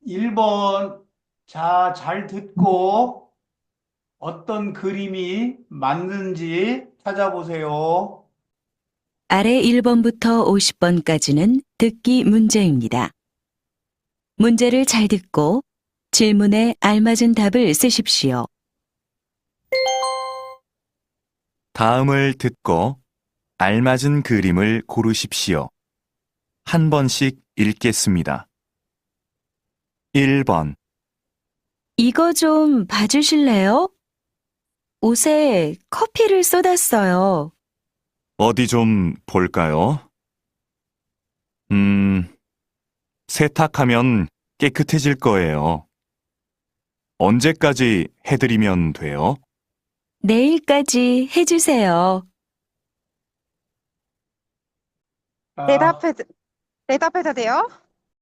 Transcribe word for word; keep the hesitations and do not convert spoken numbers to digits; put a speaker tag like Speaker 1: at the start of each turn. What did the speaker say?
Speaker 1: 일 번. 자, 잘 듣고 어떤 그림이 맞는지 찾아보세요.
Speaker 2: 아래 일 번부터 오십 번까지는 듣기 문제입니다. 문제를 잘 듣고 질문에 알맞은 답을 쓰십시오.
Speaker 3: 다음을 듣고 알맞은 그림을 고르십시오. 한 번씩 읽겠습니다. 일 번.
Speaker 2: 이거 좀 봐주실래요? 옷에 커피를 쏟았어요.
Speaker 3: 어디 좀 볼까요? 음, 세탁하면 깨끗해질 거예요. 언제까지 해드리면 돼요?
Speaker 2: 내일까지 해주세요.
Speaker 1: 아,
Speaker 4: 대답해, 대답해도 돼요?